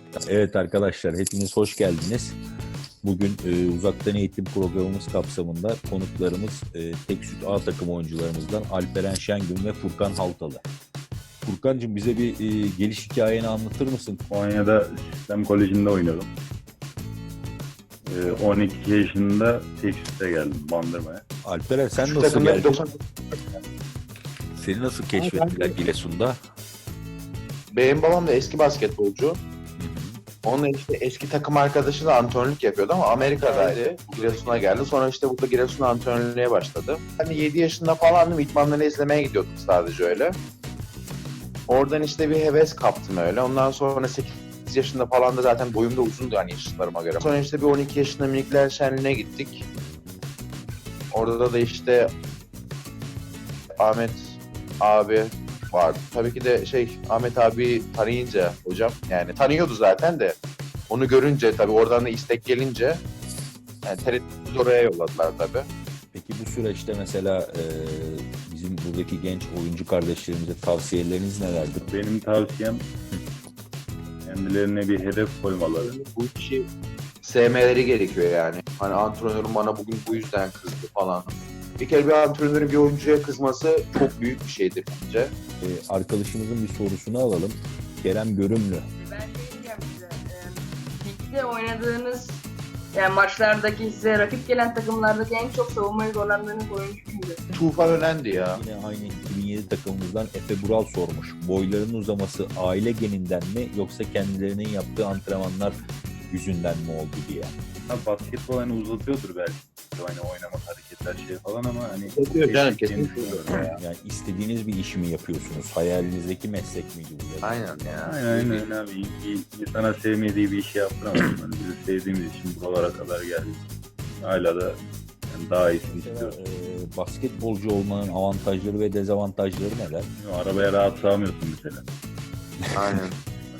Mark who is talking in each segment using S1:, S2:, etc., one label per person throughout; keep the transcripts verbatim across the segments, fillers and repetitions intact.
S1: Evet arkadaşlar, hepiniz hoş geldiniz. Bugün e, uzaktan eğitim programımız kapsamında konuklarımız e, Teksuit A takım oyuncularımızdan Alperen Şengün ve Furkan Haltalı. Furkancığım, bize bir e, geliş hikayeni anlatır mısın?
S2: Konya'da Sistem Koleji'nde oynadım. Ee, on iki yaşında Teksuit'e geldim Bandırma'ya.
S1: Alperen, sen
S3: Şu
S1: nasıl
S3: takımda
S1: geldin?
S3: doksan
S1: Seni nasıl keşfettiler Giresun'da?
S3: Benim babam da eski basketbolcu. Onunla işte eski takım arkadaşı da antrenörlük yapıyordu ama Amerika'daydı. Giresun'a geldi. Sonra işte burada Giresun'a antrenörlüğe başladı. Hani yedi yaşında falandım. İdmanları izlemeye gidiyorduk sadece öyle. Oradan işte bir heves kaptım öyle. Ondan sonra sekiz yaşında falan da zaten boyum da uzundu hani yaşlarıma göre. Sonra işte bir on iki yaşında minikler şenliğine gittik. Orada da işte Ahmet abi vardı. Tabii ki de şey Ahmet abi tanıyınca hocam yani tanıyordu zaten de onu görünce tabii oradan da istek gelince yani T R T'yi oraya yolladılar tabii.
S1: Peki bu süreçte mesela e, bizim buradaki genç oyuncu kardeşlerimize tavsiyeleriniz nelerdir?
S2: Benim tavsiyem kendilerine bir hedef koymaları.
S3: Bu işi sevmeleri gerekiyor yani. Hani antrenörüm bana bugün bu yüzden kızdı falan. Bir kere bir antrenörün bir oyuncuya kızması çok büyük bir şeydir bence.
S1: E, arkadaşımızın bir sorusunu alalım. Kerem Görümlü.
S4: Ben şey diyeceğim size. E, ligde oynadığınız yani maçlardaki size rakip gelen takımlardaki en çok savunmayı zorlandığınız oyuncu kimdi?
S3: Tufan Önendi ya.
S1: Yine aynı iki bin yedi takımımızdan Efe Bural sormuş. Boylarının uzaması aile geninden mi yoksa kendilerinin yaptığı antrenmanlar yüzünden mi oldu diye.
S2: Ha, basketbol hani uzatıyordur belki. Hani oynamak, hareketler şey falan ama hani...
S3: Yapıyor canım, kesinlikle.
S2: düşünüyorum ya.
S1: Yani istediğiniz bir işi mi yapıyorsunuz? Hayalinizdeki meslek miydi bu?
S3: Aynen ya.
S2: Aynen aynen abi. İyi ki insana sevmediği bir işi yaptıramazsın. Hani biz sevdiğimiz için buralara kadar geldik. Hala da yani daha iyisini
S1: Mesela,
S2: istiyoruz.
S1: e, basketbolcu olmanın avantajları ve dezavantajları neler?
S2: Arabaya rahat sığamıyorsun mesela.
S3: Aynen.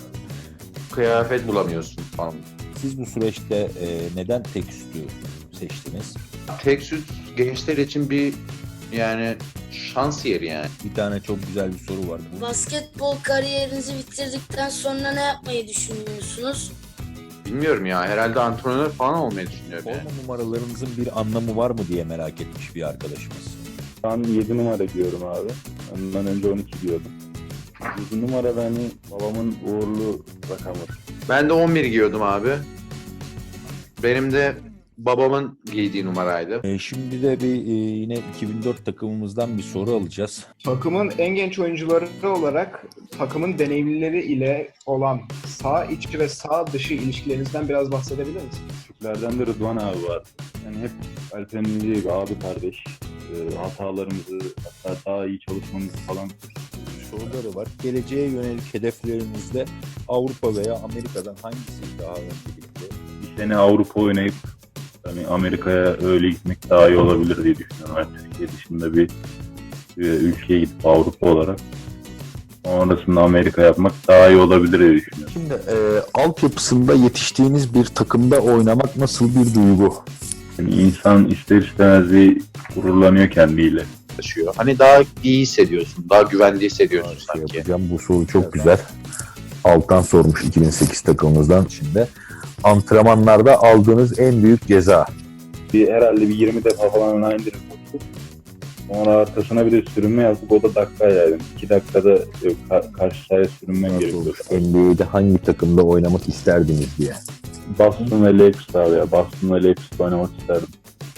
S3: Kıyafet bulamıyorsun falan.
S1: Siz bu süreçte e, neden Teksuit'ü seçtiniz?
S3: Teksuit gençler için bir yani şans yeri yani.
S1: Bir tane çok güzel bir soru var. Bu
S5: Basketbol kariyerinizi bitirdikten sonra ne yapmayı düşünüyorsunuz?
S3: Bilmiyorum ya herhalde antrenör falan olmayı düşünüyorum yani.
S1: forma numaralarınızın bir anlamı var mı diye merak etmiş bir arkadaşımız.
S2: Şu an yedi numara giyiyorum abi. Ondan önce on iki giyiyordum. yedi numara da hani babamın uğurlu rakamı.
S3: Ben de on bir giyiyordum abi. Benim de babamın giydiği numaraydı.
S1: E, şimdi de bir e, yine iki bin dört takımımızdan bir soru alacağız.
S6: Takımın en genç oyuncuları olarak takımın deneyimlileri ile olan sağ içi ve sağ dışı ilişkilerinizden biraz bahsedebilir misiniz?
S2: Türklerden de Rıdvan abi var. Yani hep Alper'in dediği gibi abi kardeş. E, hatalarımızı hatta daha iyi çalışmamızı falan
S1: Soruları var. Geleceğe yönelik hedeflerinizde Avrupa veya Amerika'dan hangisi daha öncelikli?
S2: bir sene Avrupa oynayıp hani Amerika'ya öyle gitmek daha iyi olabilir diye düşünüyorum. Yani Türkiye dışında bir, bir ülkeye gidip Avrupa olarak sonrasında Amerika yapmak daha iyi olabilir diye düşünüyorum.
S1: Şimdi e, altyapısında yetiştiğiniz bir takımda oynamak nasıl bir duygu?
S2: Yani insan ister istemez bir gururlanıyor kendiyle.
S3: Taşıyor. Hani daha iyi hissediyorsun, daha güvende hissediyorsun
S1: Şey
S3: sanki.
S1: yapacağım. Bu soru çok güzel. Altan sormuş iki bin sekiz takımımızdan içinde. Antrenmanlarda aldığınız en büyük ceza.
S2: Bir herhalde bir yirmi defa falan line indirip koştuk. Sonra arkasına bir de sürünme yaptık. O da dakika yani. iki dakikada yok, ka- karşı sahaya sürünmem
S1: Nasıl
S2: gerekiyor.
S1: olur? N B A'de hangi takımda oynamak isterdiniz diye.
S2: Boston ve Lakers abi ya. Boston ve Lakers'ta oynamak isterdim.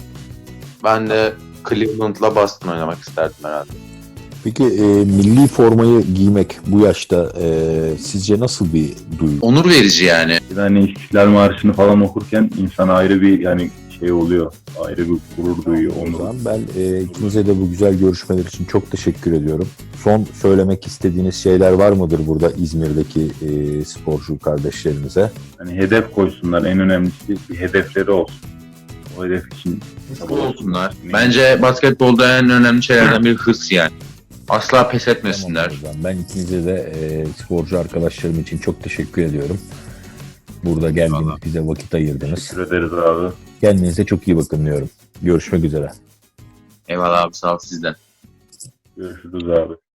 S3: Ben de Cleveland'la Boston oynamak isterdim herhalde.
S1: Peki e, milli formayı giymek bu yaşta e, sizce nasıl bir duygu?
S3: Onur verici yani.
S2: Bir de hani İstiklal Marşı'nı falan okurken insan ayrı bir yani şey oluyor. Ayrı bir gurur duyuyor.
S1: O
S2: Onur.
S1: zaman ben e, ikinize de bu güzel görüşmeler için çok teşekkür ediyorum. Son söylemek istediğiniz şeyler var mıdır burada İzmir'deki e, sporcu kardeşlerimize?
S2: Hani hedef koysunlar. En önemlisi bir hedefleri olsun. O hedef için
S3: Hırslı olsunlar. Bence basketbolda en önemli şeylerden biri hırs yani. Asla pes etmesinler.
S1: Tamam, o zaman ben ikinize de e, sporcu arkadaşlarım için çok teşekkür ediyorum. Burada geldiniz,
S3: Eyvallah.
S1: bize vakit ayırdınız.
S2: teşekkür ederiz abi.
S1: Kendinize çok iyi bakın diyorum. Görüşmek üzere.
S3: Eyvallah abi, sağ ol sizden.
S2: Görüşürüz abi.